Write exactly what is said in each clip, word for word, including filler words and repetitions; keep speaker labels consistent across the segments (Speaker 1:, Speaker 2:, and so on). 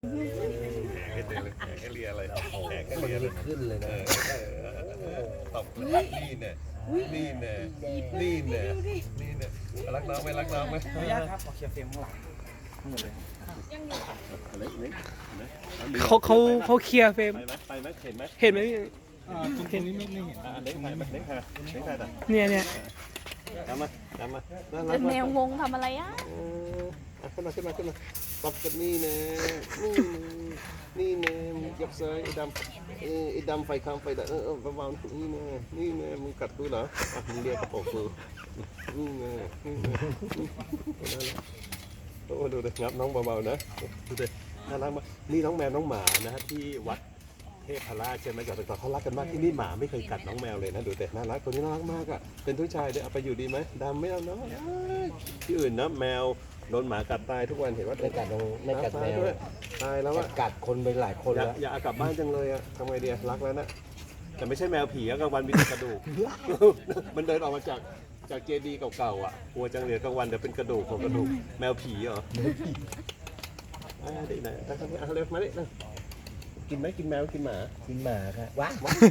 Speaker 1: แหกให้เจอเลยแหกให้เลียเลยแหกให้เลียเลย
Speaker 2: ขึ้นเลยนะ
Speaker 1: ตบนี่เนี่ยนี่เนี่ยนี่เนี่ยนี่เนี่ยรักน้องไหมรักน้องไหม
Speaker 3: ขออนุญาตครับขอเคลียร์เฟรมข้างหลังทั้งหมดเลย
Speaker 4: เขาเขาเขาเคลียร์เฟรม
Speaker 1: ไปไหมไปไหมเห็นไหม
Speaker 4: เห็นไหมพี่
Speaker 3: ตรงนี้ไม่ไม่เห็น
Speaker 1: อ่าเล็กถ่ายมาเล็กถ่ายเล็กถ่ายแต่
Speaker 4: เนี่ยเนี่ย
Speaker 1: ตามมาตามมา
Speaker 5: เป็นแมวงงทำอะไรอ่ะ
Speaker 1: ขึ้นมาขึ้นมาขึ้นมาตบกันนี่นะนี่นี่นะยับซ้ายไอ้ดำไอ้ดำไฟคำไฟดำเออเบาๆนี่นะนี่นะมึงกัดกูเหรออ่ะมึงเรียกกระโปรงกูนี่นะนี่นะโอ้ดูเลยงับน้องเบาๆนะดูเลยน่ารักมากนี่น้องแมวน้องหมานะที่วัดเทพราชใช่ไหมกับแต่ก่อนเขารักกันมากที่นี่หมาไม่เคยกัดน้องแมวเลยนะดูแต่น่ารักตัวนี้น่ารักมากอ่ะเป็นผู้ชายด้วยเอาไปอยู่ดีไหมดำไม่เอาเนาะที่อื่นนะแมวโดนหมากัดตายทุกวันเห็นว่า
Speaker 2: ไม่กัดไม่กัดแมว
Speaker 1: ตายแล้วอ่ะ
Speaker 2: กัดคนไปหลายคนแล้ว
Speaker 1: อย่าเอากลับบ้านจังเลยอ่ะทำไงดีรักแล้วนะแต่ไม่ใช่แมวผีกลางวันมีแต่กระดูกมันเดินออกมาจากจากเจดีย์เก่าๆอ่ะกลัวจังเลยกลางวันเดี๋ยวเป็นกระดูกของกระดูกแมวผีเหรออ่าได้ไหนตั้งแต่เอาเร็วมาดิกินไหมกินแมวกินหมา
Speaker 2: กินหมาค่ะว้า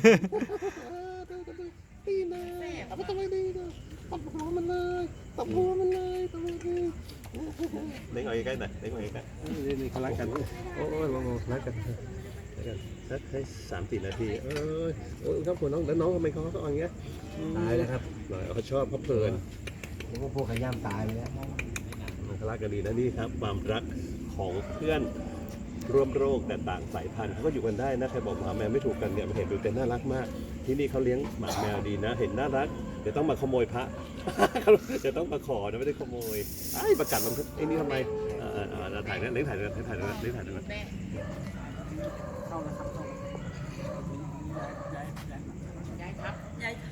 Speaker 1: ดีนะเอาไปทำไมดีนะตบหัวมันเลยตบหัวมันเลยตบหัวมันเล็กหน่อยใกล้หน่อยเล็กหน่อยใกล้นี่นี่เขารักกันโอ้ยมองรักกันสักให้สามสี่นาทีเออโอ้ยครับคุณน้องแล้วน้องทำไมเขาเขาอย่างเงี้ย
Speaker 2: ตายแล้วครับ
Speaker 1: เขาชอบเขาเพลิน
Speaker 2: นึกว่าพวกขย้ำตายแล้ว
Speaker 1: เขารักกันดีนะนี่ครับความรักของเพื่อนร่วมโรคแต่ต่างสายพันธุ์เขาก็อยู่กันได้นะใครบอกหมาแมวไม่ถูกกันเนี่ยมันเห็นดูแต่น่ารักมากที่นี่เขาเลี้ยงหมาแมวดีนะเห็นน่ารักเดี๋ยวต้องมาขโมยพระเดี๋ยวต้องมาขอนะไม่ได้ขโมยไอ้ประกาศลงไอ้นี่ทำไมอ่าอ่าถ่ายนะเล็กถ่ายนะเล็กถ่ายนะเล็กถ่ายนะ
Speaker 3: เข้าแล้วครับเข้าย้ายครับย้าย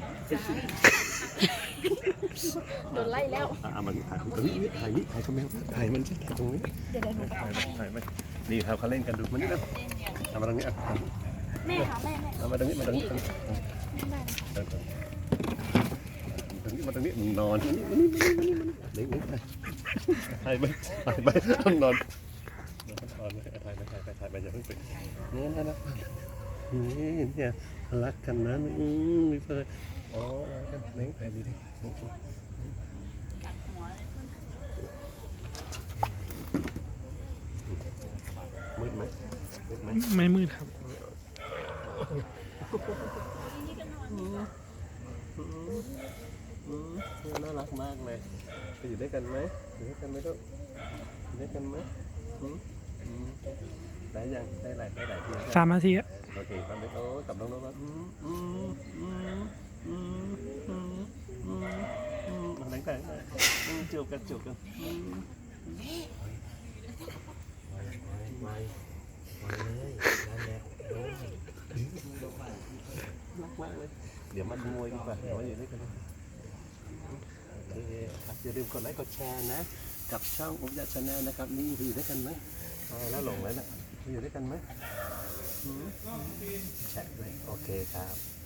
Speaker 5: โดนไล่แล้ว
Speaker 1: อ่ามันถ่ายตรงนี้ถ่ายนี่ถ่ายเขาแมวถ่ายมันใช่ถ่ายตรงนี้ถ่ายถ่ายไหมนี่ครับเขาเล่นกันดูมันนี่นะทำมาตรงนี้อ่ะ
Speaker 5: แม่ค่ะแม่แม่
Speaker 1: ทำมาตรงนี้มาตรงนี้ตรงนี้มาตรงนี้มึงนอนมานี่มานี่มานี่มานี่เล็กเล็กถ่ายไปถ่ายไปต้องนอนนอนไม่ถ่ายไม่ถ่ายถ่ายไปอย่าเพิ่งไปนี่นะนะนี่เนี่ยรักกันนะอืมมีเพื่อนอ๋อรักกันเล็กถ่ายดีดิมืดไหมมืดไหม
Speaker 4: ไม่มืดครับ
Speaker 1: น่ารักมากเลยไปอยู่ด้วยกันไหมอยู่ด้วยกันไหมลูกอยู่ด้วยกันไหมได้ยังได้หลายได้หลายที
Speaker 4: สามนาทีอะ
Speaker 1: โอเคตามไปโอ้กับน้องๆว่าอืมอืมอืมอืมอืมอืมอืมอะไรแต่จูบกันจูบกัน
Speaker 2: ไม่ไม่เลยนั่นแหละ
Speaker 1: รักมากเลยเดี๋ยวมาขโมยดีกว่าเดี๋ยวมาอยู่ด้วยกันโอเคครับอย่าลืมกดไลค์กดแชร์นะกับช่องอุ๊บยะชาแนลนะครับนี่อยู่ด้วยกันไหมแล้วหลงแล้วนะอยู่ด้วยกันไหมแชร์เลยโอเคครับ